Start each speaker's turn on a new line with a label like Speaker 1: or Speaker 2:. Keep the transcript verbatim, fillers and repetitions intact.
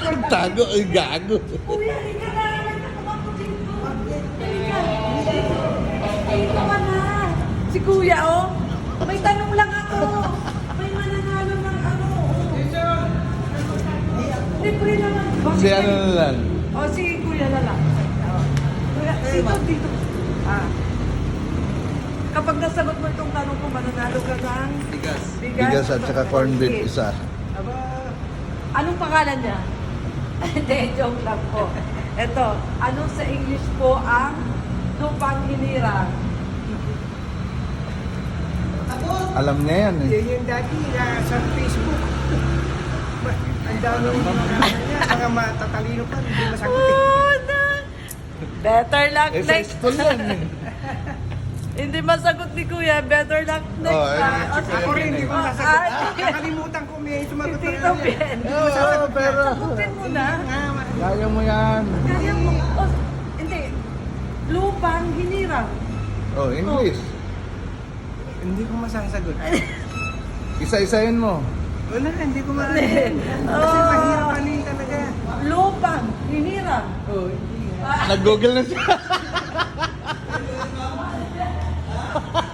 Speaker 1: Tago, ay gago.
Speaker 2: Kuya, halika na. May nakakampo dito. Halika. Dito ka na. Si Kuya, oh. May tanong lang ako. May mananalo ng ano. Libre naman.
Speaker 1: Si ano na lang.
Speaker 2: O, si Kuya na lang. O. Kuya, dito, dito. Ah. Kapag nasagot mo itong tanong ko, mananalo ka ng
Speaker 3: Bigas.
Speaker 1: Bigas at saka corned beef isa.
Speaker 3: Aba,
Speaker 2: Anong pangalan niya? Hindi, joke lang po. Ito, ano sa English po ang lupang hinirang?
Speaker 1: Alam niya yan eh.
Speaker 3: yun yung dati na sa Facebook. Ang dami yung mga niya, mga matatalino pa, hindi masagutin.
Speaker 2: Oh, no. Better luck
Speaker 1: Eh, sa
Speaker 2: next
Speaker 1: school yan eh.
Speaker 2: Hindi masagot ni Kuya. Better luck next
Speaker 1: Oh, eh,
Speaker 2: time.
Speaker 1: si
Speaker 2: O,
Speaker 1: Kuya
Speaker 3: Ako rin, hindi ko
Speaker 2: Oh,
Speaker 3: masagot.
Speaker 2: ay.
Speaker 3: Nakalimutan ko, may
Speaker 2: Si
Speaker 3: sumagot na
Speaker 2: Tito
Speaker 3: rin.
Speaker 2: Ben.
Speaker 1: Oo, pero
Speaker 2: Sagutin mo na.
Speaker 1: kaya mo yan.
Speaker 2: Kaya mo. Oh, hindi. Lupang hinirang.
Speaker 1: Oh, English.
Speaker 3: Hindi ko masasagot.
Speaker 1: Isa-isayin mo.
Speaker 3: Wala, hindi ko maanin. Kasi
Speaker 2: Oh.
Speaker 3: mahirap anin talaga.
Speaker 2: Lupang hinirang.
Speaker 3: Oh, hindi nga.
Speaker 1: Nag-google na siya.